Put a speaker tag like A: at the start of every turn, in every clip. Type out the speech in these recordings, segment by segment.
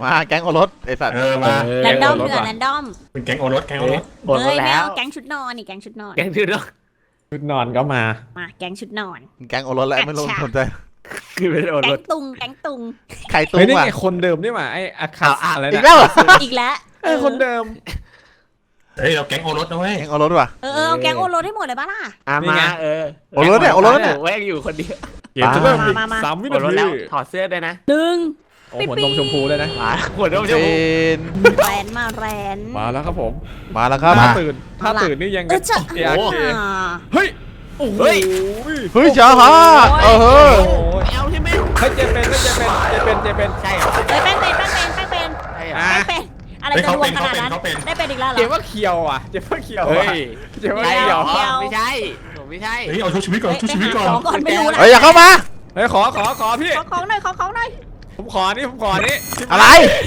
A: มาแก๊งโอรสไอสัตว์
B: มา
C: แรนดอมเถื่อนแรนดอม
B: เป็นแก๊งโอรส
C: เฮ้ยไม่เอาแก๊งชุดนอนนี่แก๊งชุดนอน
D: แก๊งชุดนอน
E: ชุดนอนก็มา
C: แก๊งชุดนอน
A: แก๊งโอรสแล้วไม่รู้สนใจ
D: คือเป็นโอร
C: แก๊
D: ส
C: งตุงแก๊งตุง
A: ใครตุ้
E: เฮ้ย
A: ง
E: นี่
A: ว่ะ
E: ไงคนเดิมนี่หว่าไอ้อาคาอะไร
A: อีก
E: นะ
A: แล้ว
C: อีกแล้ว
E: คนเดิม
B: เฮ้ยเราแก๊งโอรสนะเว้ย
A: แก๊งโอรสว่ะ
C: เอาแก๊งโอรสให้หมดเลยป่ะล่ะ
D: มา
A: โอรสเนี่ยโอรสเนี่ย
D: แวงอยู่คนเดียว
E: เกมจะเริ่มอีก
C: มา
E: 3 วิ
D: โอ
E: นา
D: รส
E: ที
D: แล้วถอดเสื้อด้วยนะ
C: หนึ่ง
E: โอ้หัวนมชมพูเลยนะ
D: มาหัวนมช
A: เจ
D: มพู
A: น
C: แรนมาแรน
E: มาแล้วครับผม
A: มาแล้วครับ
E: ถ้าตื่นนี่ยัง
C: จะ
E: เฮ้ยโอ้โห
A: เฮ้ยจ้าฮะเฮ้ย
D: เอาใช่ไหม
E: เฮ้ยเจเป็น
D: ใช่เหรอ
C: เฮ้ยแป้งเป็น
D: ใช่เหรอ
C: อะไรจะรวมขนาดนั้นได้เป็นอีกแล้วเหร
E: เจ
C: อ
E: ว่าเคียวอ่ะเจว่าเคียว
D: เฮ้ย
E: เจว่า
D: ใช่
E: เคี
D: เห
E: ย
D: ร
E: ว
D: อไม่ใช่ผมไม่ใช่
B: เฮ้ยเอาชุบชีวิตก่อนชุบชีวิตก่อน
C: ของก่อนไม่รู้นะ
A: เฮ้ยอย่าเข้ามา
E: เฮ้ยขอพี่
C: ของหน่อยของหน่อย
E: ผมขอนี่
A: อะไร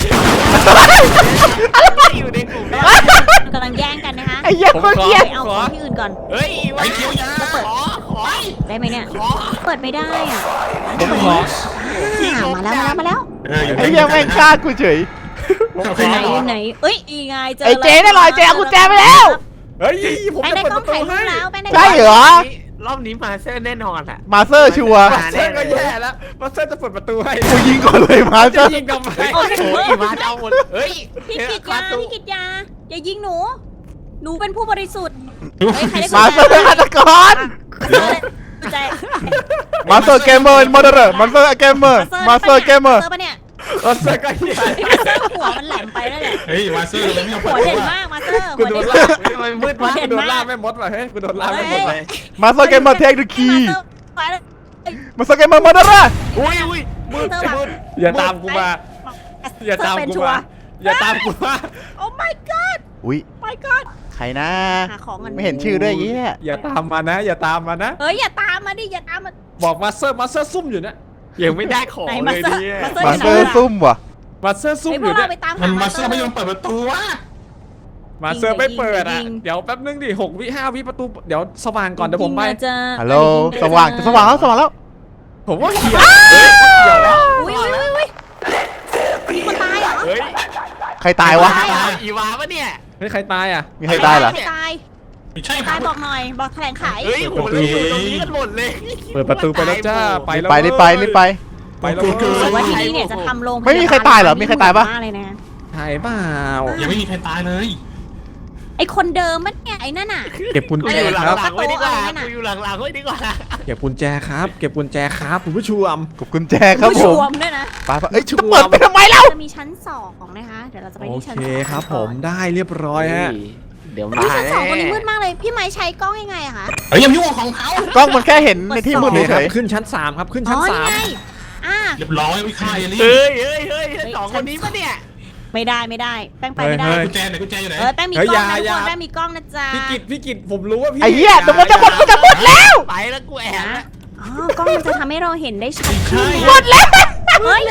D: อยู่ในกลุ่ม
C: กำลังแย่งกันนะคะ
A: ไอ้เหี้ยคนเกลียด
C: เอาของที่อื่นก่อน
D: เฮ้ยไว้เขียวยาขอ
C: ได้ไหมเนี่ยเปิดไม่ได้อ่ะ
E: ผมขอ
C: มาแล้ว
B: อยู่
A: ไอ้เหี้ยแม่งฆ่ากูเฉย
C: ไหนเอ้ยอีไงเจอ
A: ไอ้เจ๊ได้ลอยเจ๊เอากุญแจไปแล้ว
E: เฮ้ยผม
C: แป้ง
E: จะ
C: ได้
E: เปิด
C: กล้
E: ป
C: อง
E: ระตู
C: ถ่ายรู
E: ให้
C: ปแล้วแป้งได้
A: ใช่เหรอ
D: รอบนี้มาเซอร์แน่นอนอ่ะ
A: มาสเตอร์ชัวร์
E: มาเซอร์ก็แย่แล้วมาเซอร์จะเปิดประตูให้
A: กูยิงก่อนเลยมาสเต
E: จะ
A: อร์
E: ยิงกับไม
D: โอ้ยมาจะเอาหมดเฮ้ย
C: พี่กิตยาอย่ายิงหนูเป็นผู้บริสุทธิ์ใครได้
A: มาสเตอร์ฆาตกร
C: ใจ
A: มาสเตอร์เกมเมอร์มอเตอร์มาสเตอร์เกมเมอร์มาสเตอร์เกมเมอร์
C: ปะเนี่ย
E: มาเซอร์ก็แย่
C: มาเซอร์หัวมันแหลมไปแล้วเนี่ย
B: เฮ้ยมาเซอร์เราไม่เอา
C: หัวเด่นมากมาเซอร์
E: กู
C: หัว
E: โด
C: เด่
E: น
C: น
E: ล่า
C: มาก
D: มืดมาก
E: กูโดนล่าไม่มดว่ะเฮ้ยกูโดนล่าไม่มดเลย
A: มาสเตอร์เกมเมอร์เทคเดอะคีย์มาสเตอร์เกมเมอร์มอเตอร์
D: อุ้ย
C: มือเธอแบบ
E: อย่าตามกูมาอย่าตามกูมาอย่าตามกูมา
C: โอ้ my god
A: อุ้ย
C: my god
A: ใครนะ
C: หาของกัน
A: ไม่เห็นชื่อด้วยยี่
E: อย่าตามมานะอย่าตามมานะ
C: เฮ้ยอย่าตามมาดิอย่าตามมา
E: บอกมาเซอร์ซุ่มอยู่นะ
D: ยังไม่ได้ของเลยเนี่ย
A: มาสเตอร์ซุ่มว่ะ
E: มาเซอร์ซุ่ม
C: ไอ
E: อ
C: พว
E: ยู่
C: ก
E: เนี่
C: เรา
E: ย
C: ไปตาม
B: มัน
C: หา
B: มาเซอร์ไม่ยอมเปิดประตูวะ
E: มาเซอร์ไม่เปิดอ่ะเดี๋ยวแป๊บนึงดิ6 วิ5 วิประตูเดี๋ยวสว่างก่อนเดี๋ยวผมไป
A: ฮัลโหลสว่างแล้ว
E: ผมว่าเขียว
C: อุ้ยคนตายเหรอ
D: เฮ้ย
A: ใครตายวะ
D: อีวาปะเนี่ย
E: ไม่ใครตายอ่ะ
A: มีใครตายเหรอ
C: ตาย
B: ไม่ใช่ค
C: ตา
B: รั
C: ย
B: บ
C: บอกหน่อยบอกแถลงไข
D: เฮ้ยโหเราอยู่ตรงนี้กันหมดเลย
E: เปิดประตูไปแล้วจ้าไปแล้ว
A: ไปรีบไป
E: ไปแล้ว
C: แต่ว่าที่นี่เนี่ยจะทำโรง
A: ไม่มีใครตายเหรอมีใครตายปะ
C: เลยนะ
E: ตายเปล่า
B: ยังไม่มีใครตายเลย
C: ไอคนเดิมมันเนี่ยไอ้นั่นน่ะ
E: เก็บกุญ
D: กู
E: แจ
D: อยู่ห
E: ครับ
D: ลังๆไว้ดีกว่ากูอยู่หลังๆไว้ดีกว่า
E: เก็บกุญแจครับเก็บกุญแจครับคุณผู้ชม
A: กบกุญแจครับ
C: ผู้
A: ผ
C: ช
A: ม
C: วมด้วยนะ
A: ไปเอ้ยชุบเปิดไปทำไมเล่า
C: จะมีชั้น2นะคะเดี๋ยวเราจะไป
E: โอ
C: ที่ชั้น
E: เค
C: 2
E: ครับผมได้เรียบร้อยฮะ
D: เดี๋ยว
C: อุ๊
D: มาย
C: ชั้น2ตรงนี้มืดมากเลยพี่ไม้ใช้กล้องยังไงอะคะ
B: เฮ้ยยังยุ่งของเขา
A: กล้องมันแค่เห็นในที่มืด
E: โอเคค
A: เฉ
E: รับ
A: ย
E: ขึ้นชั้น3ครับขึ้น
C: อ๋
E: ชั้
C: อน นี่
E: 3
C: ไง
B: เรียบร้อยวิค่าเอลี่
D: เฮ้ยสองคนนี้ปะเนี่ย
C: ไม่ได้แป้งไปไม่ได้
B: กุญแจไหนกุญแจอยู่ไหน
C: แป้งมีกล้องนะทุกคนแป้งมีกล้องนะจ๊ะ
E: พี่กิตผมรู้ว่าพี่
A: ไอ้เหี้ยเดี๋ยวมันจะหมดแล้ว
D: ไปแล้วกูแอบ
C: อ๋อกล้องมันจะทำให้เราเห็นได้ชัด
B: ใช่
A: หมดแล้ว
C: เฮ้ย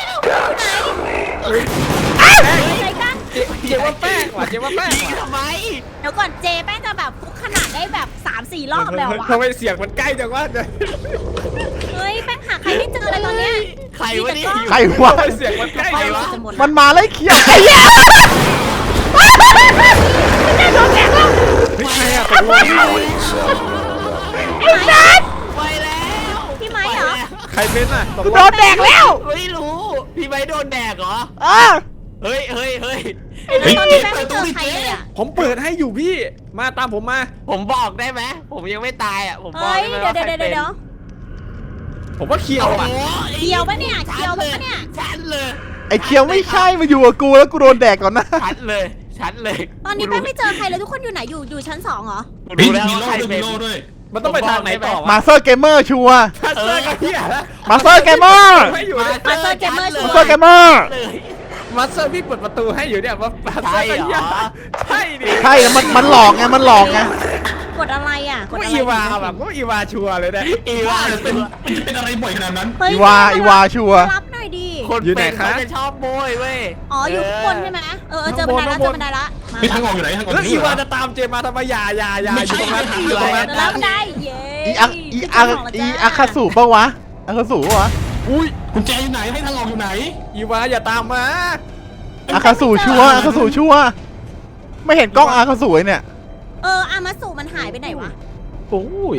C: ไหนกัน
E: เจว่าแป้งว่ะเจว่าแป้ง
D: ยิงทำไม
C: เดี๋ยวก่อนเจแป้งจะแบบฟุกขนาดได้แบบ 3-4 รอบแล้ววะ
E: ทำไมเสียงมันใกล้จังวะ
C: เฮ้ยแป้งหาใครไม่เจอเลยตอนเนี้ย
D: ใครวะนี่
A: ใครวะ
E: ทำไมเสียงมันใกล้จังวะ
C: จะหมด
A: มันมาไล่เขียวไอ้เหี้ย
E: ไม่ใช่อ่ะตกลง
C: ไอ้นัท
D: ไปแล้ว
C: พี่ไม้เหรอ
E: ใครเป็นอ่ะตก
A: กู
E: ล
A: โด
E: ง
A: นแดกแล้ว
D: ไม่รู้พี่ไม้โดนแดกเหรอ
A: เออ
D: เฮ้ย
C: ตอนนี้แป้งไม่เจอใครเลยอ่ะ
E: ผมเปิดให้อยู่พี่มาตามผมมา
D: ผมบอกได้ไหมผมยังไม่ตายอ่ะผมบอก
C: เฮ้ย
D: ได้ไหม
C: เดี๋ยว
E: ผมว่าเคียวอ่ะ
C: เคียวปะเนี่ยเคียวปะเนี่ย
D: ชัดเลย
A: ไอ้เขียวไม่ใช่มาอยู่กับกูแล้วกูโดนแดกก่อนนะ
D: ชัดเลยชัดเลย
C: ตอนนี้แป้งไม่เจอใครเลยทุกคนอยู่ไหนอยู่ชั้น2เหรอ
B: มี
D: รู้แล้ว
B: มี
D: ว่า
B: โล่
D: ใคร
B: ด้วย
D: เป็
B: มี
D: น
B: โล่ด้วย
E: มันต้องไปทางไหนต่อ
A: มาสเตอร์เกมเมอร์ชัวร์
E: มาเซอร์กับเฮียแล้ว
A: มาสเตอร์เกมเมอร์
E: ไม่อยู่
C: มาเซอร์เกมเมอร์ชัว
A: มาสเตอร์เกมเมอร์
D: เลย
E: มาเซอร์พี่เปิดประตูให้อยู่เนี่ยมาเซอร์กับเฮียใช่ดิ
A: ใช่แล้วมันหลอกไงมันหลอกไง
C: กดอะไรอ่ะกด
E: ก็
C: อะไร
E: อีวาแบบก็อีวาชัวร์เลยเนี่ย
D: อีว่า
B: เป็นอะไรบ่อยขนาดนั้น
A: อีวาชัวร์
C: รับหน่อยดิ
D: คนเป็นเขาจะชอบโบยเว้ย
C: อ๋ออยู่ข้างบนใช่ไหมเจอบันไดละมา
B: ไม่ทางออกอยู่ไหนทางออก
E: แล้ว
B: อยู่
E: อี
B: ไหน
E: วาจะตามเจมาทำไมอย่าอยู่ตรงนั้นอยู่ตรงนั้น
C: แล้วบันไดเย้
A: อีอาคาสูปะวะอาคาสูปะวะ
E: อุ้ย
B: กุญแจอยู่ไหนให้ทางออกอยู่ไหน
E: อีวาอย่าตามมา
A: อาคาสูชัวร์อาคาสูชัวร์ไม่เห็นกล้องอาคาสูเนี่ย
C: อามาสุมันหายไปไหนวะ
E: โอ้ย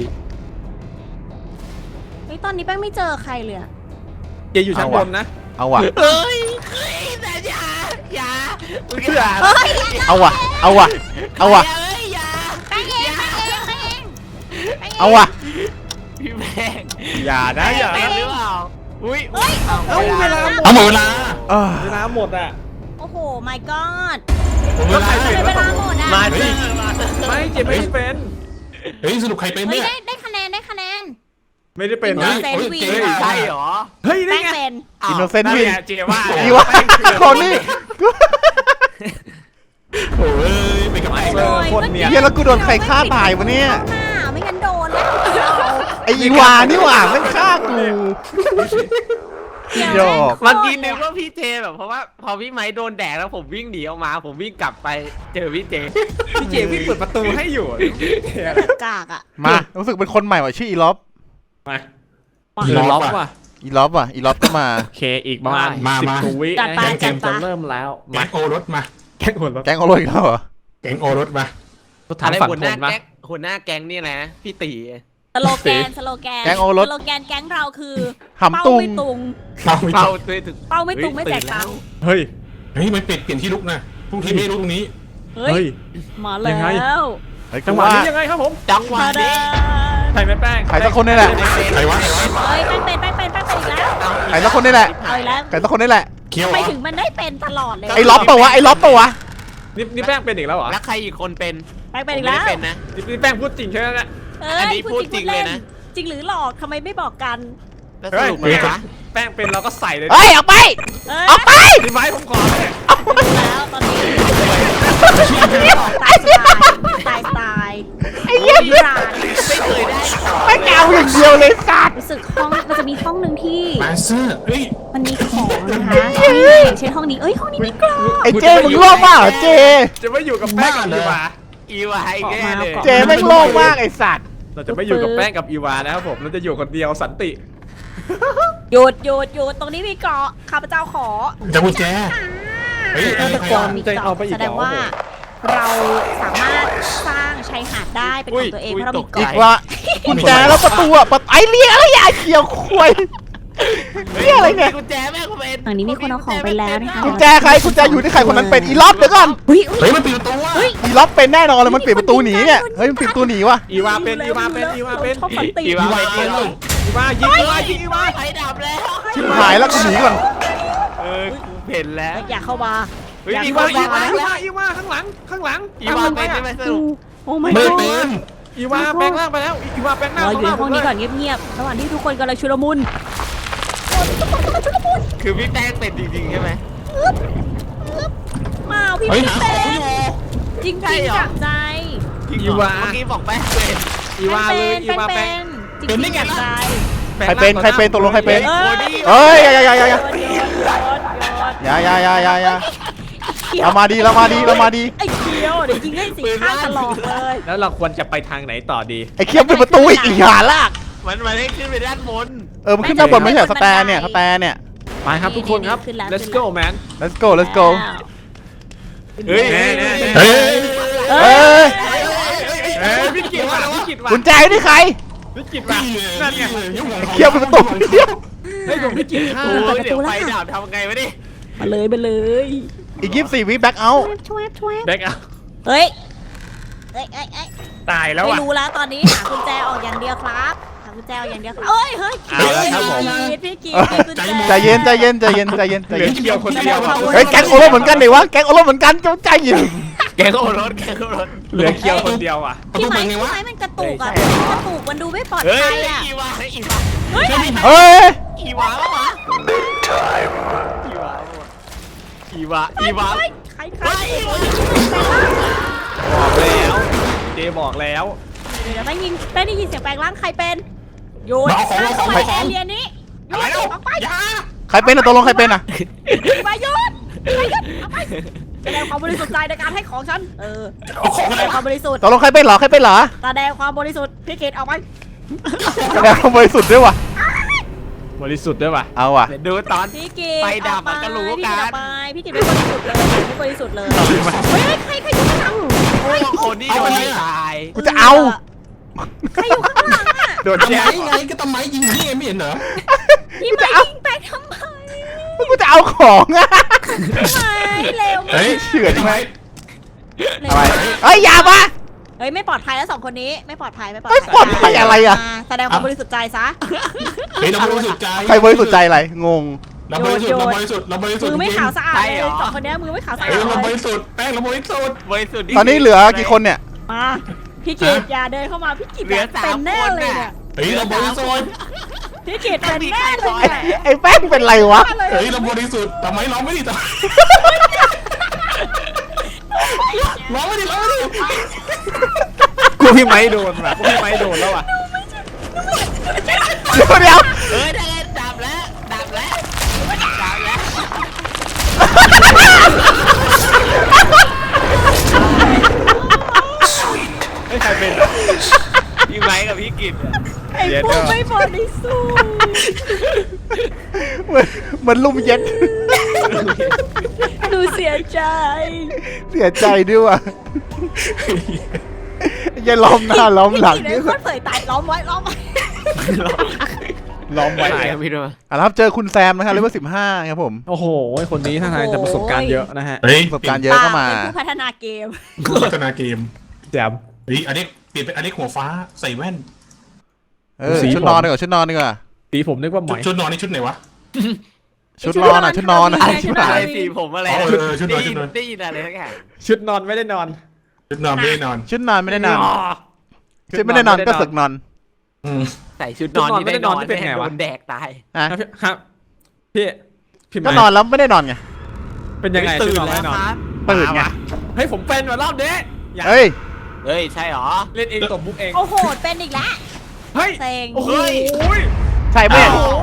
C: เฮ้ยตอนนี้แป้งไม่เจอใครเลยอะ
E: เจอยู่ชั้นบนนะ
A: เอาว่ะ
D: เฮ้ยแต่อย่ามึงอย่า
C: เฮ้ย
A: เอาว่ะเอาว่ะเอาว่ะ
D: เฮ้ยอย่า
C: แป้งเองแป้งเองแป้งเองแป้งง
A: เอาว่ะ
D: พี่แม่ง
E: อย่านะอย่า
D: เป็น
E: นะ
D: หรือเปล่าอุ้ย
C: เฮ้ย
E: เอาเวลาหมด
B: เอาหมดเวลา
E: เวลาหมดอ่ะ
C: โอ้โห my god
B: หมดเวลา
C: ทำไมเวลาหมดอ่ะ
D: มา
B: เฮ้
D: เจ
B: ย
D: อมาเจอ
E: ไม่เจไม่ได้เป็น
B: เฮ้ยสรุปใครเป็น
C: เฮ้ย
B: เนี่ย
C: ได้คะแนนได้คะแนน
E: ไม่ได้เป็น
C: เฮ้
E: นะ
C: ย เซนวี
B: เฮ้ย
D: ใช่เหรอ
E: เฮ้ย
C: แป้
E: นี่
C: ง
E: ไง
C: เป็น
A: อินโนเซนต์
E: นั่น
A: วิน
E: ไงเจว่า
A: อีวะคนนี้
B: โอ้ยเป็นกับไอ้
E: เออคนเนี่ย
A: เฮียแล้วกูโดนใครฆ่าตายวะเนี่ย
C: เข้าหน้าไม่งั้นโดนแล้ว
A: ไออีวานี่หว่าไม่ฆ่ากูหยอก
D: เมื่อกี้นึกว่าพี่เจแบบเพราะว่าพอพี่ไม้โดนแดดแล้วผมวิ่งหนีออกมา ผมวิ่งกลับไปเจอพี่เจ
E: พี่เจพี่เปิดประตูให้อยู่
C: กากอ่ะ
A: มารู้สึกเป็นคนใหม่ว่ะชื่ออีล็อบ
E: มาคือล็อกว่ะ
A: อีล็อบว่ะอีล็อบก็มา
E: โอเคอีกประมาณ10 ตัววิ
C: จัดไป
E: เกมจะเริ่มแล้ว
B: แก๊
E: มาง
B: โอรสมา
E: แก๊งหัวรถ
A: แก๊งเอาเลยอีกแล้วเหรอ
B: แก๊งโอรสมา
E: ก็ทาง
D: อะไร
E: ฝั่ง
D: หัว
E: ค
D: หน้าน
E: มา
D: แก๊งหัวหน้าแก๊งนี่แหละพี่ตี
C: สโลแกนสโลแกน
A: แก๊งโอรส
C: สโลแกนแก๊งเราคือ
A: หำตุง
C: เป้าไม่ตุง
B: เราไม่
D: เป้า
B: จบ
D: เลยถึง
C: เป้าไม่ตุงไม่แจกตังค์
E: เฮ้ย
B: เฮ้ยมันเปลี่ยนที่ลุกนะพรุ่งที่ไม่รู้ตรงนี้
C: เฮ้ย มา
E: ยังไง
C: แล้ว
A: เฮ้ย
E: จั
A: จั
E: ง
A: ง
E: ห
A: ห
E: วะ
A: วะ
E: นี้ยังไงครับผม
D: จังหวะ
C: มาเด้
D: นี้
E: ใครไม่แป้ง
A: ใครสักคนนี่แหละ
B: ใครวะ
C: เฮ้ยแป้งเป็นอีกแล้ว
A: ใครสักคนนี่แหละ
C: เอาอีกแล้ว
A: ใครสักคนนี่แหละ
B: เคี้ยว
C: ไป
B: วะ
C: ถึงมันได้เป็นตลอดเลย
A: ไอ้ล็อบปะวะไอ้ล็อบปะวะ
E: นี่แป้งเป็นอีกแล้วเหรอ
D: แล้วใครอีกคนเป็น
C: แป้งเป็น
D: ผม
C: อีก
D: ไม่
C: แล้ว
D: ได้เป็นนะ
E: นี่แป้งพูดจริงใช่ไหมเนี่ย
D: อันนี้พูดจริงเลยนะ
C: จริงหรือหลอกทำไมไม่บอกกัน
D: แล้วสรุปมันนะ
E: แป้งเป็นเราก็ใส่เลย
A: เฮ้ยออกไป
C: เอ้ย
A: ออกไป
E: พี่ไม้ผมขอเลย
C: รู้แล้วตอนนี้ตายตาย
A: ไอ้เหี้ย
C: ราน
D: ไม่เคยได้ของ
A: ไม่เกเอาอย่างเดียวเลยสัตว์
C: รู้สึกห้องมันจะมีห้องหนึ่งที่
B: มาสเตอร์เฮ้ย
C: มันมีของนะคะนี่อย่างเช่นห้องนี้เอ้ยห้องนี้มีกรอบ
A: ไอ้เจมึงโลภมากเหรอเจ
E: จะไม่อยู่กับแป้งกับอีวา
D: อีวายแก่เลย
A: เจแม่งโลภมากไอ้สัตว์
E: เราจะไม่อยู่กับแป้งกับอีวานะครับผมเราจะอยู่คนเดียวสันติ
C: หยุดหยุดหยุดตรงนี้มีเกาะข้าพเจ้าขอ
B: จะกุญแจ เฮ้ย
C: ถ้า
B: อะไร
C: ตะ
B: ใคร
C: โก
B: วะ
C: นมีเกาะแสดงว่า เราสามารถสร้างชายหาดได้เป็นของตัวเองเพราะเรามี
A: อี
C: เกาะ
A: กว่ากุญแจแล้วประตูอะไอ้เรียอะไรอย่าเขียวควยเรียอะไรเนี่ย
D: กุญแจแม่ก็เป็น
C: ฝั่งนี้มีคนเอาของไปแล้วนะคะ
A: กุญแจใครกุญแจอยู่ที่ใครคนนั้นเป็นอีล็อบเดี๋ยวก่อน
C: อุ้ย
B: เฮ้ยมันปิดประตูว่ะ
A: อีล็อบเป็นแน่นอนเลยมันปิดประตูหนีเนี่ยเฮ้ยมันปิดประตูหนีวะ
E: อีวาเป็นอีวาเป็นอีวาเป็น
C: ชอบฝันตี
D: อีวาเป็นอีวา
E: อีวายิงอีวายิงอีวา
D: ไฟดับแล้ว
A: ชิบหายแล้วกูหนีก่อน
D: กูเห็นแล้ว
C: อย่าเข้ามา
D: เฮ้ย
C: อย่า
D: อี
C: เข้าว
D: า
C: มา
D: อีวา
E: อีวาข้างหลังข้างหลัง
D: อีวาเป็นใช่ไหมสรุป
C: โอ้ my
B: ไม่
C: god
B: เป็น
E: อีวาแปลงร่างไปแล้วอีวาแปลงร่าง
C: เราอยู่ในห้องนี้ก่อนเงียบๆระหว่างที่ทุกคนกำลังชุลมุน
D: คือพี่แป้งเป็นจริงๆใช่ไหม
C: มาพี่
B: เฮ้ย
C: พี่
B: หา
C: เป็
B: ของ
C: น
B: อยู่
C: จริงๆจากใจ
E: อีวา
D: เมื่อกี้บอกแป้งเป็น
E: อีวาเลยอีวาแปลง
C: จริงๆจากใจ
A: ใครเป็นใครเป็นตกลงใครเป็น
C: เอ้ย
A: เฮ้ยอย่า
C: โยน
A: อย่าเรามาดีเรามาดีเรามาดี
C: ไอ้เคียวเดี๋ยวยิงให้สีข้างตลอดเลย
E: แล้วเราควรจะไปทางไหนต่อดี
A: ไอ้เคียบปิดประตูอีกหาลาก
D: มันให้ขึ้นไปด้านบน
A: มันขึ้นด้านบนไม่ใช่สแตนเนี่ยสแตนเนี่ย
E: ไปครับทุกคนครับ let's go man
A: let's go let's go
D: เฮ้ย
B: เฮ้ย
A: เฮ้ย
E: เฮ้ยพี่กิตว่ะพี่กิตว่ะ
A: กุญแจนี่ใคร
E: พี่กิตว่ะนั่นไง
B: ยุ่งของ
A: เคียบปิดประตูเคียบ
E: เฮ้ยผมพี่กิตฆ่า
D: โอ้ยเดี๋ยวไฟดับทำไงวะนี่
C: มาเลย
A: อีก24 วิแบ็คเอาท์
C: ช่วย
E: แบ็กเอา
C: เฮ้ยย
E: ตายแล้ว
C: ไม่
E: อ่ะ
C: รู้แล้วตอนนี้หากุญแจออกอย่างเดียวครับหากุญแจออกอย่างเดียวครับเอ้ยเฮ้ย
E: เอาแล้วครับผม
C: พี่กีกุญแจ
A: ใจเย็นใจเย็นใจเย็นใจเย็นใจ
E: เหลื
A: เย็
E: อน เคียวคนเดียว
A: เฮ้ยแก๊งโอโรเหมือนกันดิวะแก๊งโอโรเหมือนกันใจเย็น
D: แกก็รถแกก็รถ
E: เหลือเคียวคนเดียวอ่ะ
B: ประ
C: พี่
B: ตู
C: ไม้
B: เปิดไงวะ
C: มันกระตุกอ่ะกระตุกมันดูไม่ปลอด
D: เฮ้
C: ภั
D: ย
C: ยอ่ะ
D: อีวา
C: เฮ้ย
A: เฮ้ย
D: อีวาวะอีวา
C: ใคร
E: บอกแล้วเจบอกแล้ว
C: เดี๋ยวได้ยินเสียงแปลงร่างใครเป็นโยน
B: มาเอาของ
C: ไปแอเรียนี้โยนออกไป
A: ใครเป็นอะตกลงใครเป็นอะ
C: ไปโยนเอาไปแสดงความบริสุทธิ์ใจในการให้ของฉัน
B: เอาของ
C: แส
B: อะไร
C: ดงความบริสุทธิ์
A: ตกลงใครเป็นเหรอใครเป็นเหรอ
C: แสดงความบริสุทธิ์พี่เกดเอาไป
A: แสดงความบริสุทธิ์ด้วยวะ
E: บบริสุทธิ์ด้วยป่ะ
A: เอาว่ะ
D: เดี๋ยวดูตอน
C: พี่กิต
D: ไฟดับมันก็รู้กัน
C: พี่กิตไม่บริสุทธิ์เลยไม่บริสุทธิ์เลยเฮ้ยใครอยู่ข้างหลัง
D: โอ้คนที่โดนตาย
A: กูจะเอา
C: ใครอยู่ข้างหลังอ่ะ
E: โดน
B: ทำ
E: แย่
B: ไมไงก็ทำไมยิงนี่ไงไม่เห็นเหรอ
C: พี่ไม้ยิงไปทำไม
A: กูจะเอาของอะ
C: ไม่เร็ว
B: เฮ้ย
A: เฉื่อยไหม
C: เร็ว
A: อะไรเฮ้ยอย่ามา
C: เฮ้ยไม่ปลอดภัยแล้ว2 คนนี้ไม่ปลอดภัยไม่ปลอด
A: ไม่ปลอดภัยอะไรอะ
C: แสดงความบริสุทธิ์ใจซะ
B: เฮ้ยเราบริสุทธิ์ใจ
A: ใครบริสุทธิ์ใจอะไรงง
B: เราบริสุทธิ์เราบริสุทธิ์เราบริสุทธิ์
C: มือไม่ขาวสะอาดเลย2 คนนี้มือไม่ขาวสะอา
B: เฮ้
C: ด
B: ยเราบ
C: เลย
B: ริสุทธิ์แป้งเราบริสุทธิ์
D: บริสุทธิ์
A: ตอนนี้เหลือกี่คนเนี่ย
C: มาพี่กิตอย่าเดินเข้ามาพี่กิต
D: เหลือ
C: เป็นแน่
D: 3 คน
C: เลย
D: น่ะ
C: เนี่ย
B: เฮ้ยเราบริสุทธิ์
C: พี่กิตเป็นแน่เลย
A: ไอ้
C: เนี่ย
A: ไอ้แป้งเป็นไรวะ
B: เฮ้ยเราบริสุทธิ์ทำไมเราไม่ดีต่อร้องไม่ดีร้องไม่ดี
E: กูพี่ไม้โดนว่ะกูพี่ไม้โดนแล้วว่ะ
A: เดี๋ยว
D: เฮ้ยได้ดับแล้วดับแล้วดับแล้ว
E: เฮ้ยใครเป็น
D: พี่ไม้กับพี่กิต
C: ไอ้พวกไม่บริสุทธิ์
A: มันลุ่มเย็น
C: หนูเสียใจ
A: เสียใจด้วยว่ะอย่าล้อมหน้าล้อมหลัง
C: พี่กิตเป็นคนเผยตายล้อมไว้
E: ล้อมไว้
D: ตายครับพี่ด้วย
A: อ่ะครับเจอคุณแซมนะครับเลเวล15ครับผม
E: โอ้โหคนนี้ท่าทางจะประสบการณ์เยอะนะฮะ
B: เฮ้ย
A: ประสบการณ์เยอะก็มา
C: เป็นผู้พัฒนาเกม
B: ผู้พัฒนาเกม
E: แจ่ม
B: เฮ้ยอันนี้เปลี่ยนเป็นอันนี้หัวฟ้าใส่แว่น
E: สี
A: ชุด
E: ผม
A: นอนดีกว่าชุดนอนดีกว่า
E: ตีผมนึกว่าไหม
B: ชุดนอนนี่ชุดไหนวะ
A: ชุดนอนอ่ะชุดนอนอ่ะ
C: ชุ
A: ชุ
C: ด
A: ด
C: นอน
A: ไหน
D: อะไรสีผมอะไร
B: ชุดนอนชุดนอน
D: ได้ยินอะไรสักอย่าง
E: ชุดนอนไม่ได้นอน
B: ชุดนอนไม่ได้นอน
A: ชุดนอนไม่ได้นอนชุดไม่ได้นอนก็สึกนอน
B: อืม
D: ใส่ชุดนอนที่ได้นอนไม่โดนแดกตาย
A: อ่ะ
E: ครับพี่พี่
A: ก็
E: ไม้
A: นอนแล้วไม่ได้นอนไง
E: เป็นยังไง
D: ตื่
E: ชุด
D: น
E: นอน
D: แล้
E: ไม่
D: ว
E: นอน
D: ครับ
A: ตื่นไง
E: เฮ้ยผมเป็นว่ารอบนี้อย่า
A: เฮ้ย
D: เฮ้ยใช่หรอ
E: เล่นเองตบมุกเอง
C: โอ้โหเป็นอีกแล้ว
E: เฮ้ย
C: เซ็ง
E: โอ้โห
A: ใช่ไหม
E: โอ้โห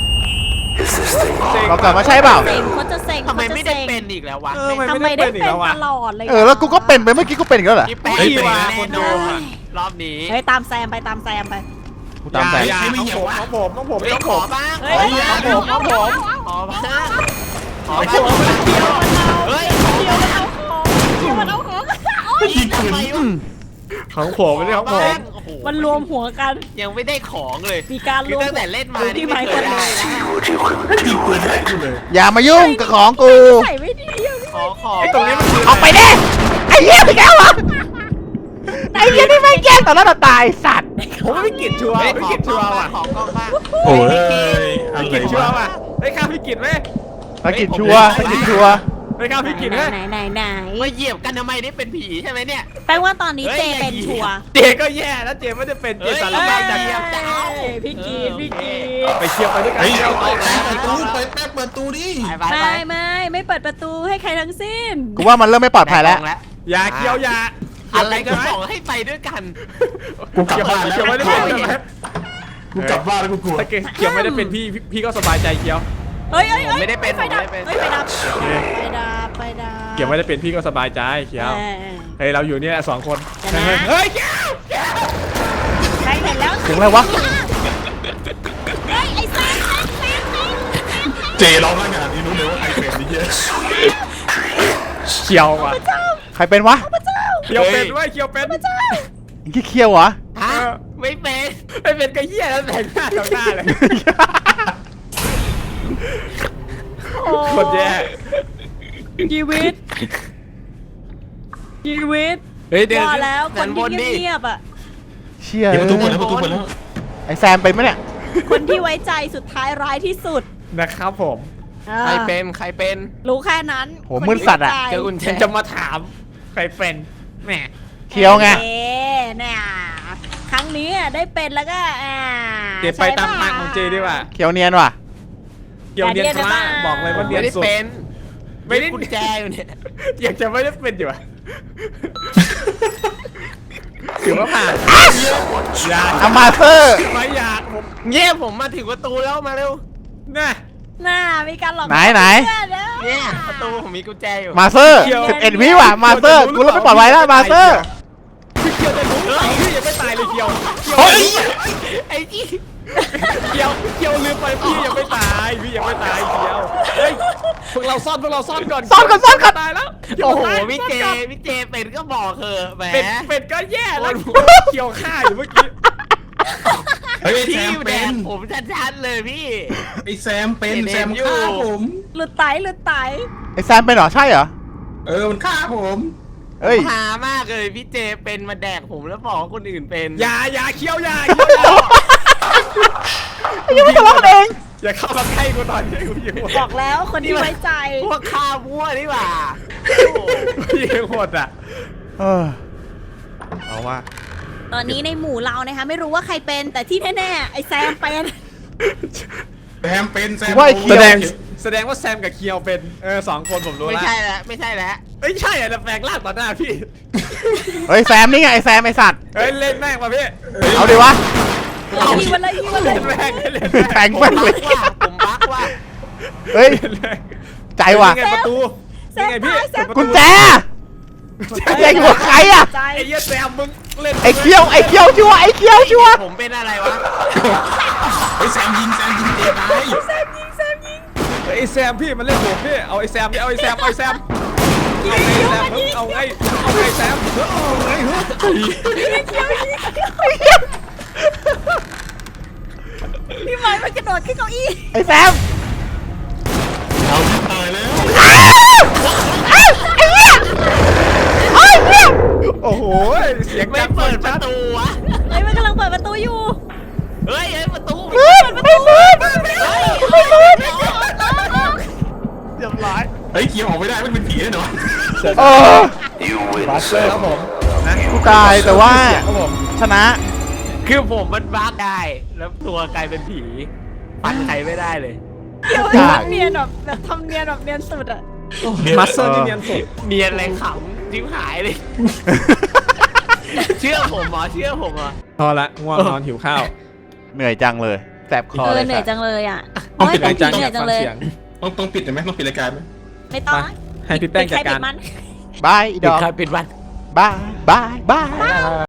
A: บอกก่อนว่าใช่เปล่า
C: เซ็งเขาจะเซ็ง
D: ทำไมไม่ได้เป็นอีกแล้ววะ
E: เออ
C: ทำไม
E: ไม่
C: ได้
E: ได้เป็นอี
C: เป็
E: ก
C: น
E: แล้ววะ
C: ตลอดเลย
A: แล้วกูก็เป็นไปเมื่อกี้กูเป็นอีกแล้วเหรอ
D: พี่แป้ง
E: เฮ้ย
D: แน่
E: คน
D: น
E: ดู
D: อน
E: อะ
D: รอบนี้
C: เฮ้ยตามแซมไปตามแซมไป
A: กูตามใจ
E: อย่าน้องผมน้องผม
D: เฮ้ย
E: น้อง
D: ข
E: ผ
D: อ
E: ม
D: บ้าง
C: เฮ้ย
E: น้องผม
D: ขอบ้างขอ
E: ไอ้
D: บ้าง
E: พวกมันเกี่ยว
D: เฮ้ย
C: เดี๋ยวมันเอาของเดี๋ยวมันเอาของโอ๊ย
B: ยิงปืน
E: ของผมไม่ใช่ของผม
D: โอ้โห
C: มันรวมหัวกัน
D: ยังไม่ได้ของเลย
C: มีการ
D: คื
C: ร
D: อ
C: วม
D: ตั้งแต่เล่นมา
C: ดู
D: นี่
C: ที่
D: ไม่
C: ไม้
D: เค
C: คน
D: ย
C: เล
D: ได้
C: ย
D: แล้ว
B: ยิงปืนได้กูเลย
A: อย่ามายุ่งกับของกู
C: ใส่ไม่ดีอะ
D: ขอของ
E: ไอ้ตรงนี้มันคือ
A: ออกไปดิไอ้เหี้ยไปแล้วเหรอไอ้เหี้ยนี่ไม่แกล้งต่อหน้าต่อตาไอ้สัตว์
E: ผมไม่กินชัวร์
D: เฮ้ย
E: ไม่
D: ขอ
E: กิน
D: กล้
E: ชั
D: อ
E: ว
D: ง
E: ร์
D: บ้า
E: ว่ะ
D: งขอกล้องบ้าง
B: โอ้ยอะ
E: ไม่
B: ไร
E: กินชัวร์
B: วะ
E: ว่ะเฮ้ยข้าวพี่กินไหม
A: ไปกินชัวร์ไปกินชัวร์
E: เฮ้ยข้าวพี่กินไหม
C: ไหน
D: มาเหยียบกันทำไมนี่เป็นผีใช่ไหมเนี่ย
C: แปลว่าตอนนี้เจเป็นชัวร์
E: เจก็แย่แล้วเจไม่ได้เป็นเจสาร
C: เอ้
E: พัด
C: ย
E: อย่าง
D: เดี๋
E: เงี้
D: ย
E: ยว
D: จะเอา
C: พี่กีนพี่กีน
E: ไปเชียร์ไปด้วยกัน
B: เฮ้ย
E: เชียร์
B: เปิดประตูเปิดแป๊บเปิดตูดิ
D: ไปไป
C: ไม่เปิดประตูให้ใครทั้งสิ้น
A: กูว่ามันเริ่มไม่ปลอดภัยแล้ว
E: อย่าเคี้ยวอย่า
D: อะไรก็บอกให้ไปด้วยกัน
B: กูกลับ
E: เคี้ยว
B: บ้านแล้ว
E: เคี้ยวไม่ได้เป็นใช่ไหม
B: กูกลับบ้านแล้วกูกลัว
E: ถ้าเคี้ยวไม่ได้เป็นพี่ก็สบายใจเคี้ยว
C: เฮ้ย
D: ผมไม่ได้เป็น
C: ไฟดับ
D: ผมไม่ได้เป็น
C: เฮ้ยไฟดับไฟดับ
E: เคี้ยวไม่ได้เป็นพี่ก็สบายใจเคี้ยว
C: เออ
E: เฮ้ยเราอยู่เนี่ยสองคน
C: เดี๋ยวนะ
E: เฮ้ยเคี้ยว
C: ใครเห็นแล้ว
A: เสียงอะไรวะ
C: เฮ้ยไอ้แซม
B: เจร้องขนาดนี้รู้เลยว่าใครเป็นนี่เยอะ
E: เคี้ยวว่ะ
A: ใครเป็นวะ
E: เคี้ยวเป็นด้วยเคี้ยวเป็น
A: ไอ้ขี้เคียวเหรอ
D: ฮะไม่เป็น
E: ไม่เป็นกระเหี้ยแล้วแต่งหน้าต่อหน้าเลยคนแย่
C: ชีวิต
D: เฮ้ยเดี๋ยว
C: ว่าแล้วคนที่
D: ดิ
C: เงียบๆอ่ะ
A: เชี่ย
B: เดี๋ยวประตูเปิดแล้วประตูเปิดแล้ว
A: ไอ้แซมเป็นไหมเนี่ย
C: คนที่ไว้ใจสุดท้ายร้ายที่สุด
E: นะครับผม
D: ใครเป็นใครเป็น
C: รู้แค่นั้น
A: โหมืดสัตว์อะ
C: คนที่ไว้ใจ
D: เจอกุญแจ
E: จะมาถามใครเป็นแหม
A: เคียวไง
C: เอ๊ะเนี่ยครั้งนี้ได้เป็นแล้วก็
E: เจไปตามทางของเจดีกว่า
A: เคียวเนียนว่ะ
E: เกี่ยวเนียนคลาบอกเลยว่าเนีย
D: ไม่
E: น
D: ได้
E: สุด
D: เป็น
E: ไม่ได้
D: กุญแจอยู่เนี่ย
E: อยากจะไม่ได้เป็นอยู่อะถือว่าผ่านอย่า
A: อามาเซอร์
E: ไม่อยากผม
D: เงี้ยผมมาถึงประตูแล้วมาเร็ว
E: น่ะ
C: น่ามีการหลอก
A: ไหน
C: เพื่อนนะ
D: เนี่ยประตูผมมีกุญแจอยู่
A: มาเซอร์11วิว่ะมาเซอร์กูเริ่มไม่ปลอดภัยแล้วมาเซอร์
E: พี่เคียวจะรู้พี่ยังไม่ตายเลยเคียว
B: เฮ้ย
D: ไอ้ที่
E: เกียวลืมไปพี่ยังไม่ตายพี่ยังไม่ตายเกียวเฮ้ยพวกเราซ่อนก่อน
A: ซ่อนก่อน
E: ตายแล้ว
D: โอ้โห
E: ตาย
D: พี่เจเป็นก็บอกเถอะแหม
E: เป็ดก็แย่แล้วเกียวฆ่าอยู่เมื่อกี้
B: เฮ้ยไอ้แซ
D: พี่
B: ม
D: แด
B: เป็น
D: กผมชัดๆเลยพี่
B: ไอ้แซมเป็น
D: เห็น
B: แซม
D: อยู่
B: ฆ่าผม
C: หลุดไตหลุดไต
A: ไอ้แซมเป็นเหรอใช่เหรอ
B: มันฆ่าผม
A: เอ้ย
D: หามากเลยพี่เจเป็นมาแดกผมแล้วบอกว่าคนอื่นเป็น
E: อย่าเคี้ยวอย่า
A: ยังไม่ทะเลาะกันเอง
E: อย่าเข้ามาใกล้กูตอนนี้กูยิง
C: บอกแล้วคนที่ไว้ใจ
D: พวกข้ามั่วนี่หว่า
E: ยิงหมดอ่ะ
A: เออ
E: เอาว่า
C: ตอนนี้ในหมู่เรานะคะไม่รู้ว่าใครเป็นแต่ที่แน่ๆไอ้แซมเป็น
B: แซมเป็นแซม
A: ว่าไอ้เคียว
E: แสดงว่าแซมกับเคียวเป็นสองคนผมรู้
D: ไม่
E: แล้ว
D: ใช่แล้วไม่ใช่แล้ว
E: ไม่ใช่อ่ะแต่แปลงร่างต่อหน้าพี่
A: เฮ้ยแซมนี่ไงไอ้แซมไอ้สัตว์
E: เฮ้ยเล่นแม่งมาพี่
A: เอาดิวะ
C: ยิงมันเลยยิงมันเล
E: เล่
C: ย
E: นแม่งเล่น
A: แทง
D: ผม
A: แม่ง
D: บั
A: เลย
D: กว่าผมบักว่า
A: เฮ้ย
E: แม่ง
A: ใจว่ะ
E: นี่ไงประตู
C: แซ
E: นี่
C: ม
E: ไงพี่
C: ตายแซม
A: กุญแจแจอยู่กับใครอะ
C: ใจ
E: ไอ้เหี้ยแซมมึงเล่น
A: ไอ้เคียวชัวร์ไอ้เคียวชัวร์
D: ผมเป็นอะไรวะ
B: ไอ้แซมยิงเจตาย
C: แซมยิงแซมยิง
E: ไอ้แซมพี่มันเล่นผมพี่เอาไอ้แซมเอาไอ้แซมเอาไอ้แซมเอาไงแซมเอาไง
C: พี่ไม้มันกระโดดขึ้นเก้าอี้
A: ไอ้แซม
B: เอาที่ตายแล้ว
E: โอ้โหเสียง
D: ไม่
E: ดัง
D: เปิดประตูวะ
C: เฮ้ยมันกำลังเปิดประตูอยู่
D: เฮ้ยประตู
A: เปิดไม่เปิดไม่เปิด
E: เรียบร้อย
B: เฮ้ยเคียวออกไม่ได้มันเป็นผีแน่นอน
A: เออ
E: บัสเตอร์ครับผมนะ
A: กูตายแต่ว่า
E: เสียงครับผม
A: ชนะ
D: คือผมมันบักได้ แล้วตัวกลายเป็นผีฟันใครไม่ได้เลย
C: เดี๋ยว
A: ได้
C: ทำเนียนแบบทำเนียนแบบเนียนสุดอะ
E: มาสเตอร์นี่เนียนสุด
D: เนียนอะไรขำจิ้มหายเลย เชื่อผมเหรอเชื่อผมเหรอ
E: พอละง่วงนอนหิวข้าว
A: เหนื่อยจังเลยแสบคอเลย
C: เหนื่อย
A: สัตว์
C: จังเลยอ่ะ
E: ต้อง
C: โอ้ย
E: ปิด
C: แต่
E: ราย
C: ผี
E: การ
C: เหนื่อยจังเลย
E: เสียง
B: ต้องปิดไหมต้องปิดรายการไหม
C: ไม่ต้อง
E: ให้พี่แป้งจัดการ
C: ปิใคปิมัน
A: บายอีด
D: ปิด
A: อก
D: ใครปิดวัน
A: บายบาย